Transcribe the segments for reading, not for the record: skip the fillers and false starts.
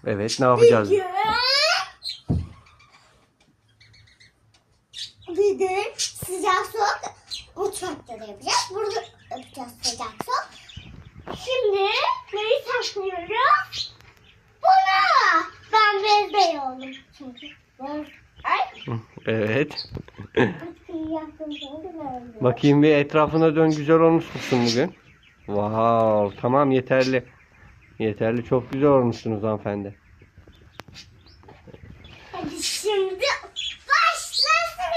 Evet, ne yapacağız? Bir de sıcak soğuk mutfakta da yapacağız. Burada yapacağız sıcak soğuk. Şimdi neyi saklıyoruz? Bunu. Ben bezbey oldum çünkü. Ay. Evet. Yaptım çünkü böyle. Bakayım bir etrafına dön, güzel olmuşsun bugün. Wow, tamam yeterli. Yeterli, çok güzel olmuşsunuz hanımefendi. Hadi şimdi başlasın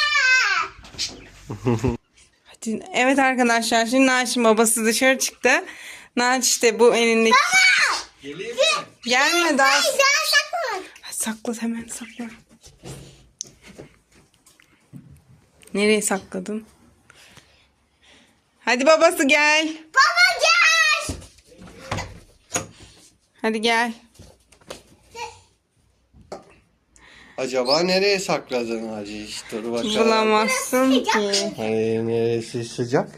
ya. Hadi, evet arkadaşlar, şimdi Naç'ın babası dışarı çıktı. Naç işte bu elindeki... Geleyim mi? Gelme daha. Ay daha saklamadım. Sakla, hemen sakla. Nereye sakladın? Hadi babası gel. Baba gel. Hadi gel. Acaba nereye sakladın Hacı? İşte dur bakalım. Bulamazsın ki. Hani neresi sıcak?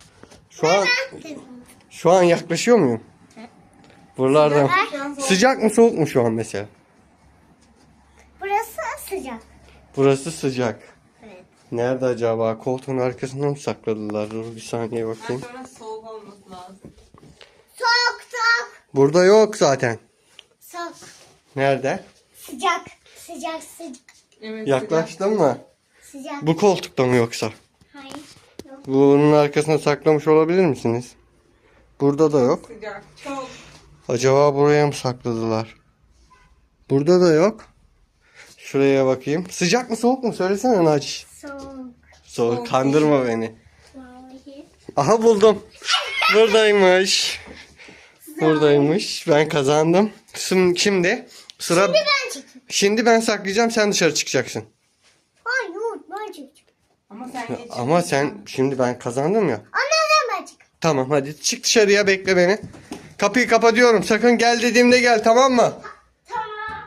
Şu an yaklaşıyor muyum? Buralardan. Sıcak mı soğuk mu şu an mesela? Burası sıcak. Burası sıcak. Evet. Nerede acaba? Koltuğun arkasına mı sakladılar? Dur bir saniye bakayım. Sonra soğuk olması lazım. Soğuk soğuk. Burada yok zaten. Soğuk. Nerede? Sıcak. Sıcak sıcak. Evet, Yaklaştın mı? Sıcak. Bu koltukta mı yoksa? Hayır. Yok. Bunun arkasına saklamış olabilir misiniz? Burada da yok. Sıcak. Çok. Acaba buraya mı sakladılar? Burada da yok. Şuraya bakayım. Sıcak mı soğuk mu? Söylesene Naci. Soğuk. Soğuk. Kandırma beni. Vallahi. Aha buldum. Buradaymış. Buradaymış. Ben kazandım. Şimdi sıra... Ben çekeyim. Şimdi ben saklayacağım. Sen dışarı çıkacaksın. Hayır ben çekeyim. Ama sen geç. Ama sen şimdi ben kazandım ya. Anneannem ben çekeyim. Tamam hadi çık dışarıya, bekle beni. Kapıyı kapatıyorum. Sakın gel dediğimde gel, tamam mı? Tamam.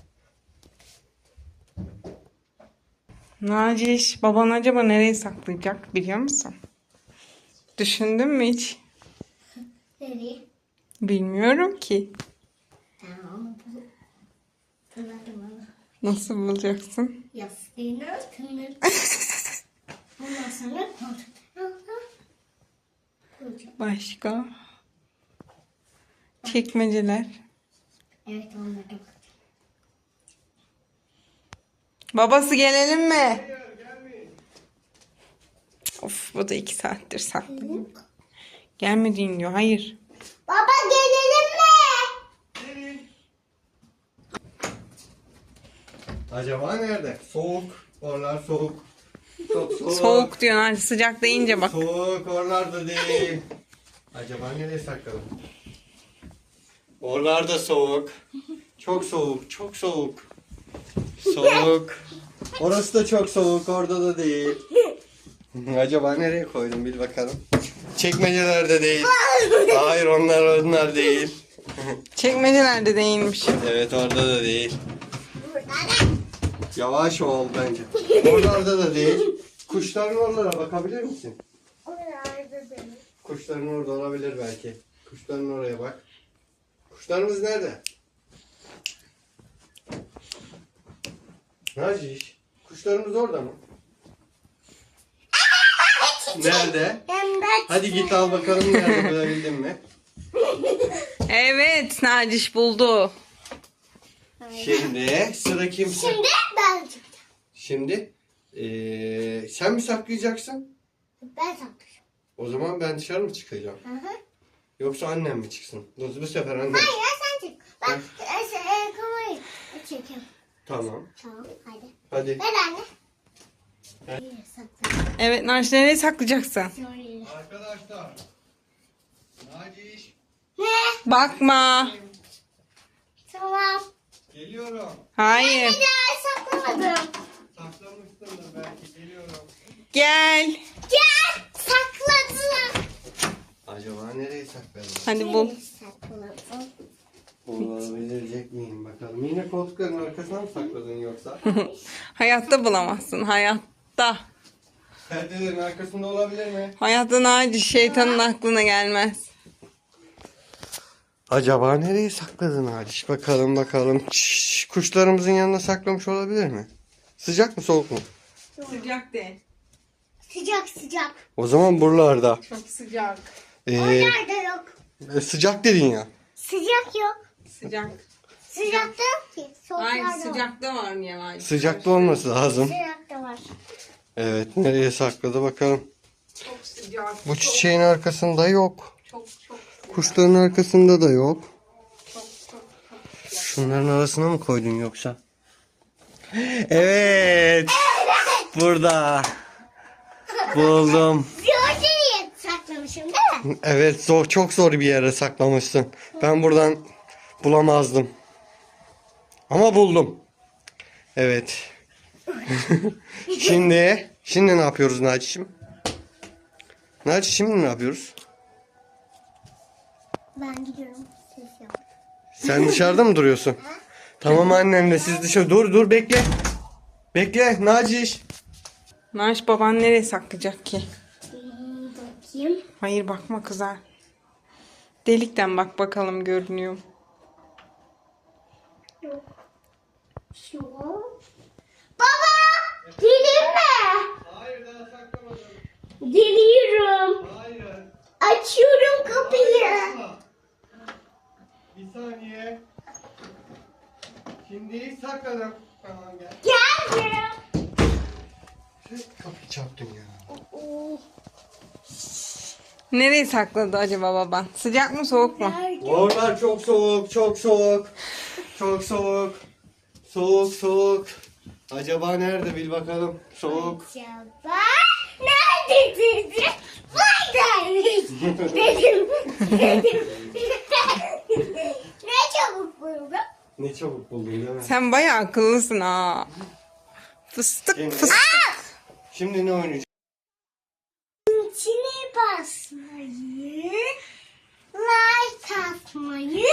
Naciş, baban acaba nereye saklayacak biliyor musun? Düşündün mü hiç? Nereye? Bilmiyorum ki. Tamam. Tırnadım Nasıl bulacaksın? yastığını tırnadım. Ondan sonra Başka? Çekmeceler. evet onları. Babası gelelim mi? Of, bu da 2 saattir saklıyor. Gelmediğin diyor. Hayır. Baba gelelim mi? Acaba nerede? Soğuk. Oralar soğuk. Çok soğuk. Soğuk diyor Naci. Sıcak deyince bak. Soğuk oralarda değil. Acaba nereye sakladım? Oralarda soğuk. Çok soğuk. Çok soğuk. Soğuk. Orası da çok soğuk. Orada da değil. Acaba nereye koydum, bil bakalım. Çekmecelerde değil. Hayır, onlar değil. Çekmecelerde değilmiş. Evet, orada da değil. Burada da. Yavaş ol bence. Oralarda da değil. Kuşların oralara bakabilir misin? Oralarda da. Kuşların orada olabilir belki. Kuşların oraya bak. Kuşlarımız nerede? Naciş, kuşlarımız orada mı? Nerede? Hem de Hadi git al bakalım, nerede, bulabildin mi? Evet, Naciş buldu. Şimdi sıra kimse. Şimdi ben çekeceğim. Şimdi sen mi saklayacaksın? Ben saklayacağım. O zaman ben dışarı mı çıkacağım? Hı hı. Yoksa annem mi çıksın? Bu sefer annem. Hayır sen çek. Ben kamerayı çekeyim. Tamam. Tamam hadi. Hadi. Ver anne. Nereye saklayayım? Evet, Naciş, nereye saklayacaksın? Şöyle. Arkadaşlar. Naciş. Ne? Bakma. Tamam. Geliyorum. Hayır. Bir daha saklamadım. Saklamışsındır belki, geliyorum. Gel. Gel. Sakladım. Acaba nereye sakladım? Hadi bul. Nereye sakladım? Bulabilecek miyim bakalım. Yine koltukların arkasına mı sakladın yoksa? Hayatta bulamazsın. Hayatta. Perdelerin arkasında olabilir mi? Hayatta Naciş, şeytanın aklına gelmez. Acaba nereye sakladın Aliş? Bakalım bakalım. Kuşlarımızın yanına saklamış olabilir mi? Sıcak mı soğuk mu? Sıcak değil. Sıcak sıcak. O zaman buralarda. Çok sıcak. Oralarda yok. Sıcak dedin ya. Sıcak yok. Sıcak. Sıcakta yok ki. Hayır Soğuklarda var. sıcakta var yavaş. Sıcakta olması lazım. Sıcakta var. Evet, nereye sakladı bakalım. Çok sıcak. Bu çiçeğin arkasında yok. Çok çok Kuşların arkasında da yok. çok çok. Şunların arasına mı koydun yoksa? Evet. Burada. Buldum. Gördüğünü saklamışım değil mi? Evet, çok zor bir yere saklamışsın. Ben buradan bulamazdım. Ama buldum. Evet. Şimdi ne yapıyoruz Naci'cim? Naci şimdi ne yapıyoruz? Ben gidiyorum. Ses yap. Sen dışarıda mı duruyorsun? Tamam annemle siz dışarı. Dur bekle. Bekle Naciş. Naş baban nereye saklayacak ki? Bakayım. Hayır bakma kızar. Delikten bak bakalım görünüyor mu? Yok. Şu. Baba! Gelin mi? Hayır daha saklamadım. Geliyorum. Hayır. Açıyorum kapıyı. Bir saniye. Şimdi sakladım. Tamam gel. Geldim. Kapıyı çarptın ya. Oo, Nereye sakladı acaba baban? Sıcak mı soğuk mu? nerede? Oralar çok soğuk, çok soğuk. Çok soğuk. Soğuk. Acaba nerede bil bakalım. Soğuk. Acaba nerede dedi? Buradaymış. Dedim. Ne çabuk buldum. Ne çabuk buldun değil mi? Sen bayağı akıllısın ha. Fıstık Şimdi- fıstık. Şimdi ne oynayacağız? İçine basmayı, like atmayı